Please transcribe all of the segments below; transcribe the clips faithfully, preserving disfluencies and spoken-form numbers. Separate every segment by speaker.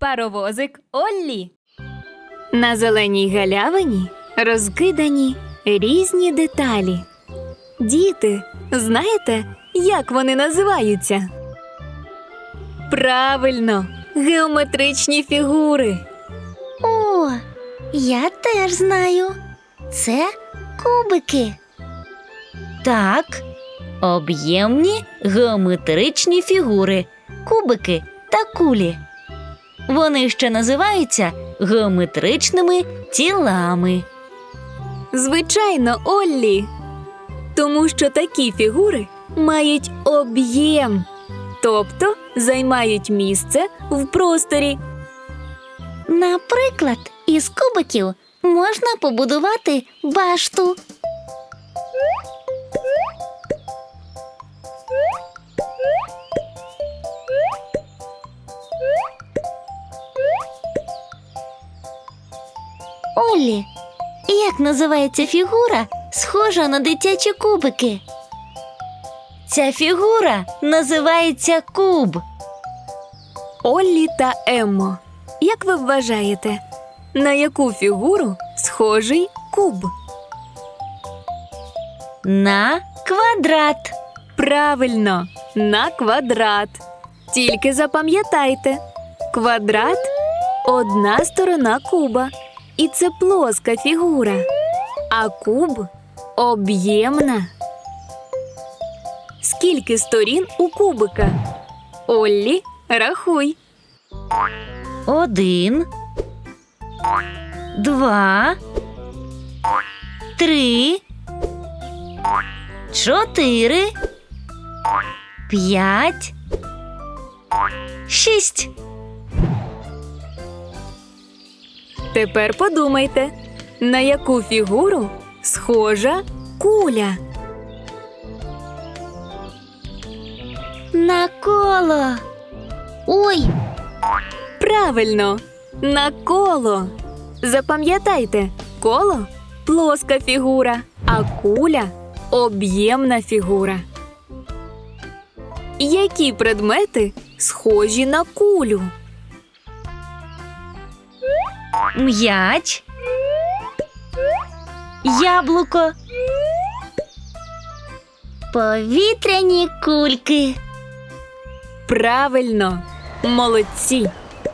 Speaker 1: Паровозик Оллі. На зеленій галявині розкидані різні деталі. Діти, знаєте, як вони називаються? Правильно, геометричні фігури.
Speaker 2: О, я теж знаю. Це кубики.
Speaker 3: Так, об'ємні геометричні фігури, кубики та кулі. Вони ще називаються геометричними тілами.
Speaker 1: Звичайно, Оллі. Тому що такі фігури мають об'єм, тобто займають місце в просторі.
Speaker 2: Наприклад, із кубиків можна побудувати башту. Оллі, як називається фігура, схожа на дитячі кубики?
Speaker 3: Ця фігура називається куб.
Speaker 1: Оллі та Еммо, як ви вважаєте, на яку фігуру схожий куб?
Speaker 3: На квадрат.
Speaker 1: Правильно, на квадрат. Тільки запам'ятайте, квадрат – одна сторона куба, і це плоска фігура, а куб – об'ємна. Скільки сторін у кубика? Оллі, рахуй.
Speaker 3: Один, два, три, чотири, п'ять, шість.
Speaker 1: Тепер подумайте, на яку фігуру схожа куля?
Speaker 2: На коло. Ой,
Speaker 1: Правильно, на коло. Запам'ятайте, коло – плоска фігура, а куля – об'ємна фігура. Які предмети схожі на кулю?
Speaker 3: М'яч, яблуко,
Speaker 2: повітряні кульки.
Speaker 1: Правильно, молодці.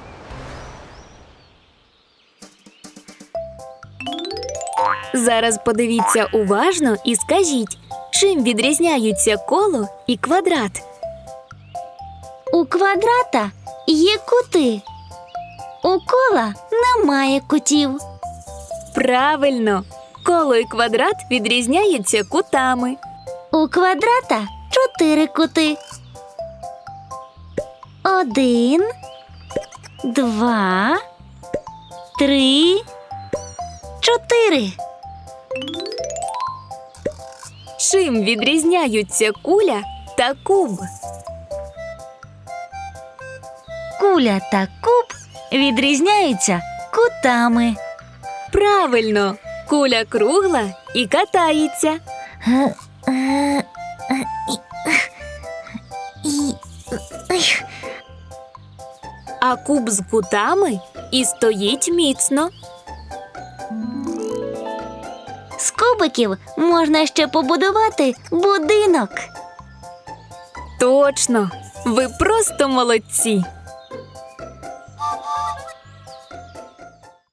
Speaker 1: Зараз подивіться уважно і скажіть, чим відрізняються коло і квадрат?
Speaker 2: У квадрата є кути. У кола немає кутів.
Speaker 1: Правильно, коло і квадрат відрізняються кутами.
Speaker 2: У квадрата чотири кути. Один, два, три, чотири.
Speaker 1: Чим відрізняються куля та куб?
Speaker 3: куля та куб відрізняються кутами.
Speaker 1: Правильно, куля кругла і катається. А куб з кутами і стоїть міцно.
Speaker 2: З кубиків можна ще побудувати будинок.
Speaker 1: Точно, ви просто молодці.